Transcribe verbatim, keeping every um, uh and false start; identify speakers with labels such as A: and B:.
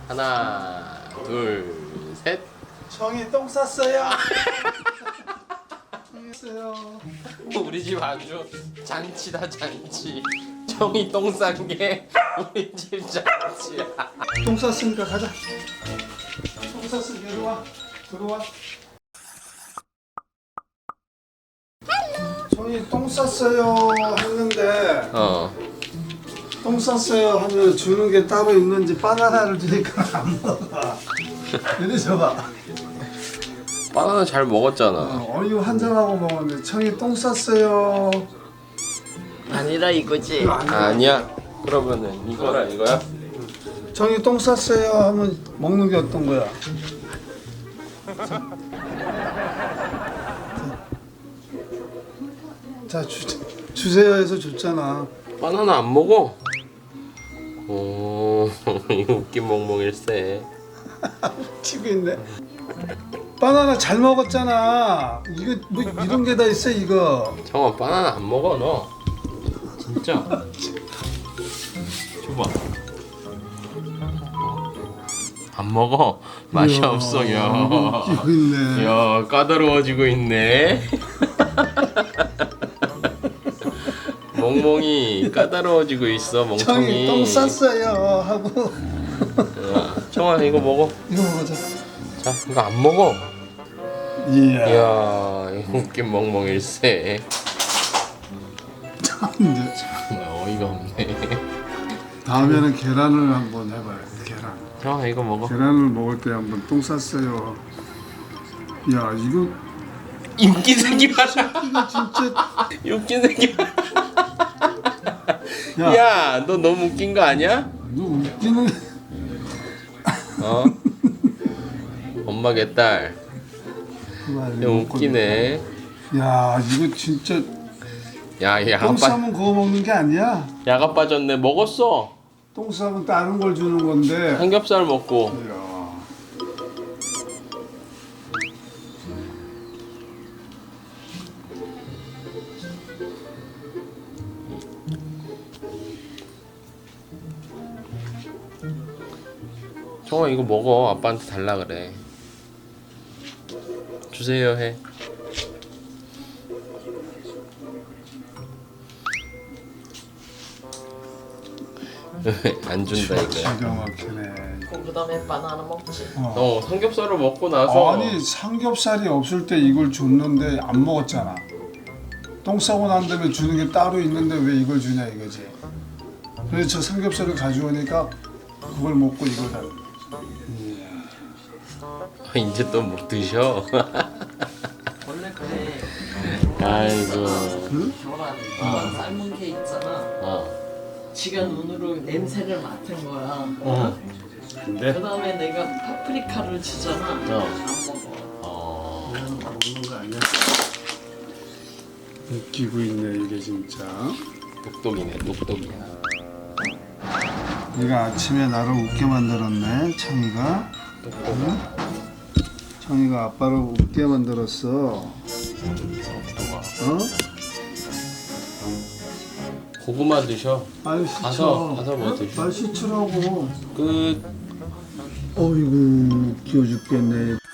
A: 하나, 둘, 셋.
B: 정이 똥 쌌어요. 똥
A: 우리 집 아주 잔치다 잔치. 정이 똥 싼 게 우리 집 잔치야.
B: 똥 쌌으니까 가자. 똥 쌌으니까 들어와. 들어와. 정이 똥 쌌어요 했는데
A: 어.
B: 똥 쌌어요 하면 주는 게 따로 있는지 바나나를 주니까 안 먹어. 이리 줘봐.
A: 바나나 잘 먹었잖아.
B: 어, 어유 한 잔하고 먹었는데 청이 똥 쌌어요.
C: 아니라 이거지.
B: 이거 아니야.
A: 아니야. 그러면은 이거라 이거야?
B: 청이 똥 쌌어요 하면 먹는 게 어떤 거야? 자, 주, 주세요 해서 줬잖아.
A: 바나나 안 먹어? 오, 이거 웃긴 멍멍일세.
B: 튀고 있네. 바나나 잘 먹었잖아. 이거 뭐 이런 게 다 있어 이거.
A: 정아 바나나 안 먹어 너. 진짜. 줘봐. 안 먹어. 맛이
B: 이야,
A: 없어. 야.
B: 이거 웃기고 있네.
A: 야 까다로워지고 있네. 멍멍이 까다로워지고 있어 멍청이.
B: 청이 똥 쌌어요 하고.
A: 야, 청아 이거 먹어.
B: 이거 먹자.
A: 자 이거 안 먹어.
B: 이야.
A: 이야 이거 웃긴 멍멍일세.
B: 참 이제
A: 정말 어이가 없네.
B: 다음에는 계란을 한번 해봐요. 계란.
A: 청아 이거 먹어.
B: 계란을 먹을 때 한번 똥 쌌어요. 야 이거
A: 이 웃긴 새끼 봐라.
B: 이거 진짜.
A: 이 웃긴 새끼 봐라.
B: 야,
A: 야 너 너무 웃긴 거 아니야?
B: 너 웃기는.
A: 어? 엄마 개딸. 야 웃기네.
B: 야 이거 진짜
A: 야얘
B: 똥
A: 아빠
B: 싸면 그거 먹는 게 아니야.
A: 야가 빠졌네. 먹었어.
B: 똥 싸면 다른 걸 주는 건데.
A: 삼겹살 먹고.
B: 이야.
A: 정아 이거 먹어. 아빠한테 달라 그래. 주세요 해. 안 준다 이거야.
B: 기가 막히네.
C: 그 다음에 바나나 먹지.
B: 어.
A: 어 삼겹살을 먹고 나서
B: 아니 삼겹살이 없을 때 이걸 줬는데 안 먹었잖아. 똥 싸고 난 다음에 주는 게 따로 있는데 왜 이걸 주냐 이거지. 그래서 저 삼겹살을 가져오니까 그걸 먹고 이걸 다.
A: 이제 또 못 드셔.
C: 원래 그래.
A: 아이고.
C: 계란 어. 삶은 게 있잖아.
A: 어.
C: 지가 눈으로 냄새를 맡은 거야.
A: 어. 근데
C: 그 다음에 내가 파프리카를 주잖아.
A: 어.
C: 안 먹어.
A: 어.
B: 먹는 거 아니야? 웃기고 있네 이게 진짜.
A: 똑똑이네 똑똑이야.
B: 얘가 아침에 나를 웃게 만들었네 청이가. 응? 청이가 아빠를 웃게 만들었어.
A: 똑똑아.
B: 어?
A: 고구마 드셔.
B: 빨리 씻어.
A: 가서 가서 뭐 드셔.
B: 빨리 씻으라고.
A: 끝.
B: 어이구 웃겨 죽겠네.